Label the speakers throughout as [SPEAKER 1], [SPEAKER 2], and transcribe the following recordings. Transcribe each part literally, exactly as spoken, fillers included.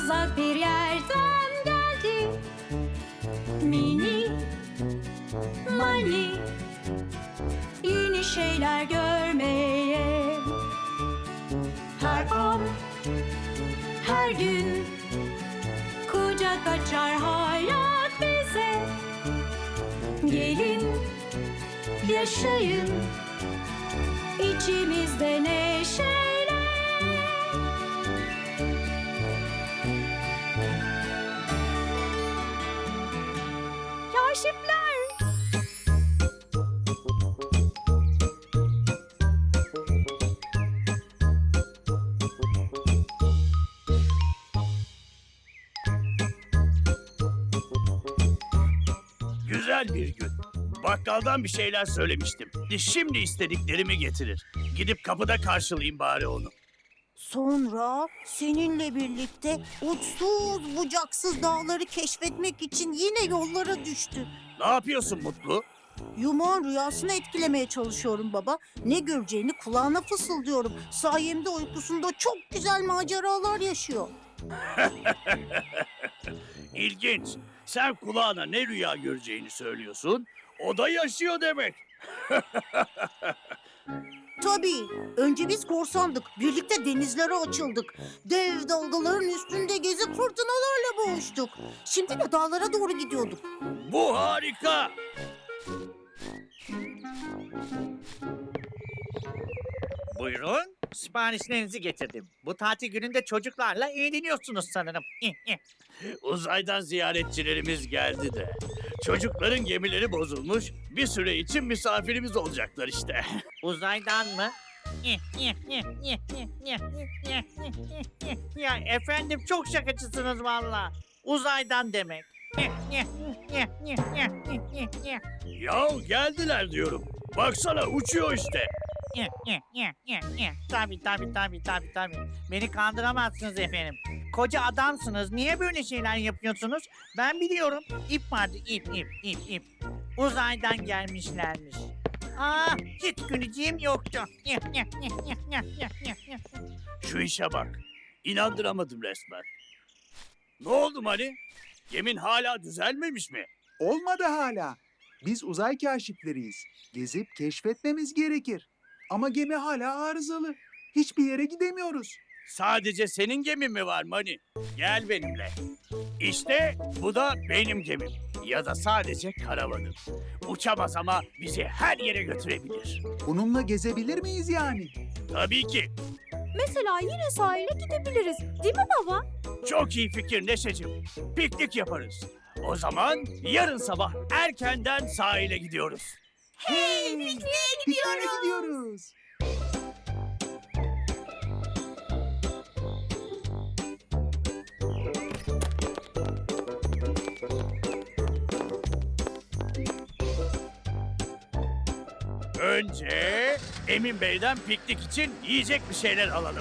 [SPEAKER 1] uzak bir yerden geldi. Mini Mani, yeni şeyler görmeye. Her an, her gün kucak açar hayat bize. Gelin, yaşayın içimizde neşeyle. Kaşifler.
[SPEAKER 2] Güzel bir gün. Bakkaldan bir şeyler söylemiştim. Şimdi istediklerimi getirir. Gidip kapıda karşılayayım bari onu.
[SPEAKER 3] Sonra seninle birlikte uçsuz bucaksız dağları keşfetmek için yine yollara düştü.
[SPEAKER 2] Ne yapıyorsun Mutlu?
[SPEAKER 3] Yumağın rüyasını etkilemeye çalışıyorum baba. Ne göreceğini kulağına fısıldıyorum. Sayemde uykusunda çok güzel maceralar yaşıyor.
[SPEAKER 2] İlginç. Sen kulağına ne rüya göreceğini söylüyorsun. O da yaşıyor demek.
[SPEAKER 3] Tabii. Önce biz korsandık. Birlikte denizlere açıldık. Dev dalgaların üstünde gezip fırtınalarla boğuştuk. Şimdi de dağlara doğru gidiyorduk.
[SPEAKER 2] Bu harika.
[SPEAKER 4] Buyurun, siparişlerinizi getirdim. Bu tatil gününde çocuklarla eğleniyorsunuz sanırım.
[SPEAKER 2] Uzaydan ziyaretçilerimiz geldi de. Çocukların gemileri bozulmuş. Bir süre için misafirimiz olacaklar işte.
[SPEAKER 4] Uzaydan mı? Ya efendim çok şakacısınız valla. Uzaydan demek.
[SPEAKER 2] Yahu geldiler diyorum. Baksana uçuyor işte.
[SPEAKER 4] Tabii tabii tabii tabii tabii. Beni kandıramazsınız efendim. Koca adamsınız. Niye böyle şeyler yapıyorsunuz? Ben biliyorum. İp vardı ip ip ip ip. Uzaydan gelmişlermiş. Ah hiç güleceğim yoktu.
[SPEAKER 2] Şu işe bak. İnandıramadım resmen. Ne oldu Mani? Gemin hala düzelmemiş mi?
[SPEAKER 5] Olmadı hala. Biz uzay kaşifleriyiz. Gezip keşfetmemiz gerekir. Ama gemi hala arızalı. Hiçbir yere gidemiyoruz.
[SPEAKER 2] Sadece senin gemin mi var Mani? Gel benimle. İşte bu da benim gemim. Ya da sadece karavanım. Uçamaz ama bizi her yere götürebilir.
[SPEAKER 5] Bununla gezebilir miyiz yani?
[SPEAKER 2] Tabii ki.
[SPEAKER 1] Mesela yine sahile gidebiliriz. Değil mi baba?
[SPEAKER 2] Çok iyi fikir Neşeciğim. Piknik yaparız. O zaman yarın sabah erkenden sahile gidiyoruz.
[SPEAKER 1] Hey, pikniğe
[SPEAKER 5] Pikniğe gidiyoruz.
[SPEAKER 2] Önce Emin Bey'den piknik için yiyecek bir şeyler alalım.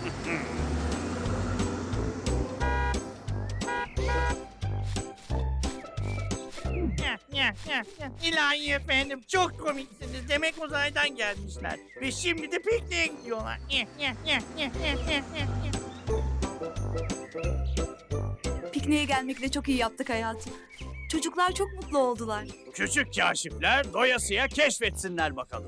[SPEAKER 4] İlahi efendim çok komiksiniz. Demek uzaydan gelmişler. Ve şimdi de pikniğe gidiyorlar.
[SPEAKER 6] Pikniğe gelmekle çok iyi yaptık hayatım. Çocuklar çok mutlu oldular.
[SPEAKER 2] Küçük kaşifler doyasıya keşfetsinler bakalım.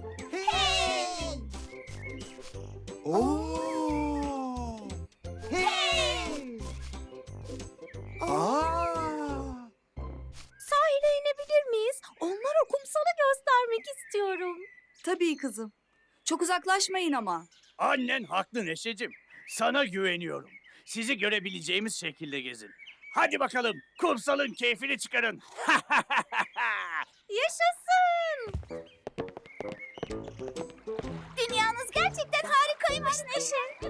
[SPEAKER 5] Oo! Hey! Aa!
[SPEAKER 1] Sahile inebilir miyiz? Onlara kumsalı göstermek istiyorum.
[SPEAKER 6] Tabii kızım. Çok uzaklaşmayın ama.
[SPEAKER 2] Annen haklı Neşeciğim. Sana güveniyorum. Sizi görebileceğimiz şekilde gezin. Hadi bakalım kumsalın keyfini çıkarın.
[SPEAKER 1] Yaşasın! Dünyanız gerçekten harikaymış Neşe.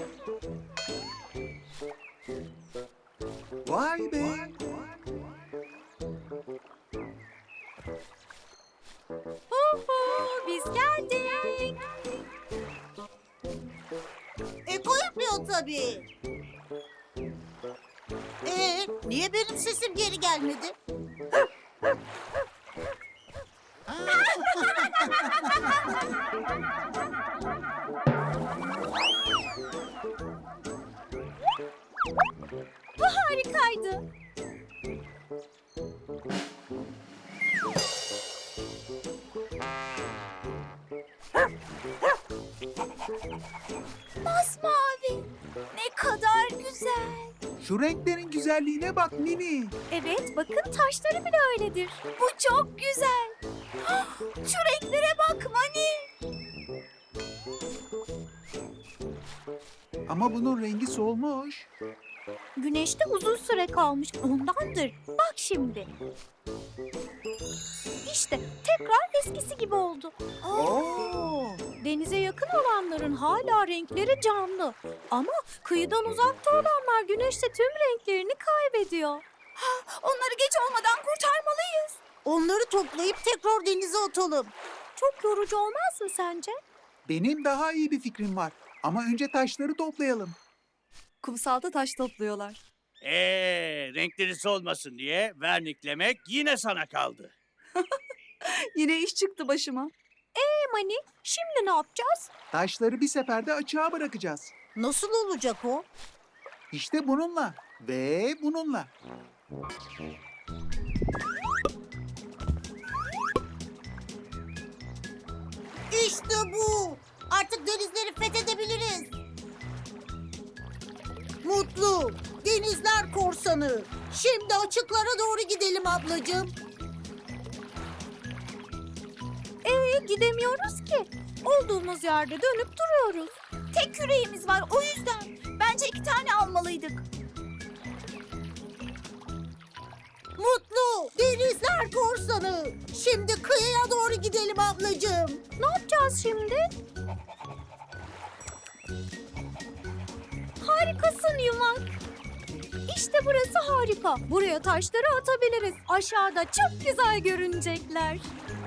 [SPEAKER 5] Vay be!
[SPEAKER 1] Huhu, biz geldik.
[SPEAKER 3] Eko yapıyor tabii. Ee, niye benim sesim geri gelmedi?
[SPEAKER 1] Bu harikaydı. Masmavi. Ne kadar güzel.
[SPEAKER 5] Şu renklerin güzelliğine bak Mini.
[SPEAKER 1] Evet, bakın taşları bile öyledir. Bu çok güzel. Şu renklere bak Mani.
[SPEAKER 5] Ama bunun rengi solmuş.
[SPEAKER 1] Güneşte uzun süre kalmış, ondandır. Bak şimdi. İşte tekrar eskisi gibi oldu.
[SPEAKER 3] Oo.
[SPEAKER 1] Denize yakın olanların hala renkleri canlı. Ama kıyıdan uzakta olanlar güneşte tüm renklerini kaybediyor. Onları geç olmadan kurtarmalıyız.
[SPEAKER 3] Onları toplayıp tekrar denize atalım.
[SPEAKER 1] Çok yorucu olmaz mı sence?
[SPEAKER 5] Benim daha iyi bir fikrim var. Ama önce taşları toplayalım.
[SPEAKER 6] Kumsalda taş topluyorlar.
[SPEAKER 2] Ee, renkleri solmasın diye verniklemek yine sana kaldı.
[SPEAKER 6] Yine iş çıktı başıma.
[SPEAKER 1] E Mani, şimdi ne yapacağız?
[SPEAKER 5] Taşları bir seferde açığa bırakacağız.
[SPEAKER 3] Nasıl olacak o?
[SPEAKER 5] İşte bununla ve bununla.
[SPEAKER 3] İşte bu. Artık denizleri fethedebiliriz. Mutlu, denizler korsanı. Şimdi açıklara doğru gidelim ablacığım.
[SPEAKER 1] Ee, gidemiyoruz ki. Olduğumuz yerde dönüp duruyoruz. Tek küreğimiz var, o yüzden. Bence iki tane almalıydık.
[SPEAKER 3] Mutlu, denizler korsanı. Şimdi kıyıya doğru gidelim ablacığım.
[SPEAKER 1] Ne yapacağız şimdi? Harikasın Yumak. İşte burası harika. Buraya taşları atabiliriz. Aşağıda çok güzel görünecekler.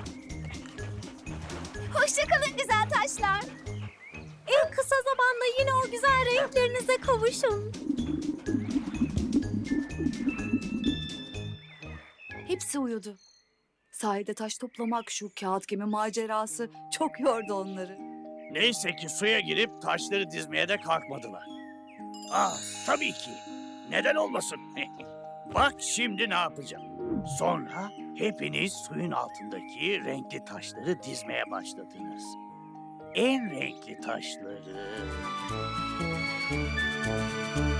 [SPEAKER 1] Hoşçakalın güzel taşlar. En kısa zamanda yine o güzel renklerinize kavuşun.
[SPEAKER 6] Hepsi uyudu. Sahilde taş toplamak, şu kağıt gemi macerası çok yordu onları.
[SPEAKER 2] Neyse ki suya girip taşları dizmeye de kalkmadılar. Ah, tabii ki. Neden olmasın? Bak şimdi ne yapacağım. Sonra hepiniz suyun altındaki renkli taşları dizmeye başladınız. En renkli taşları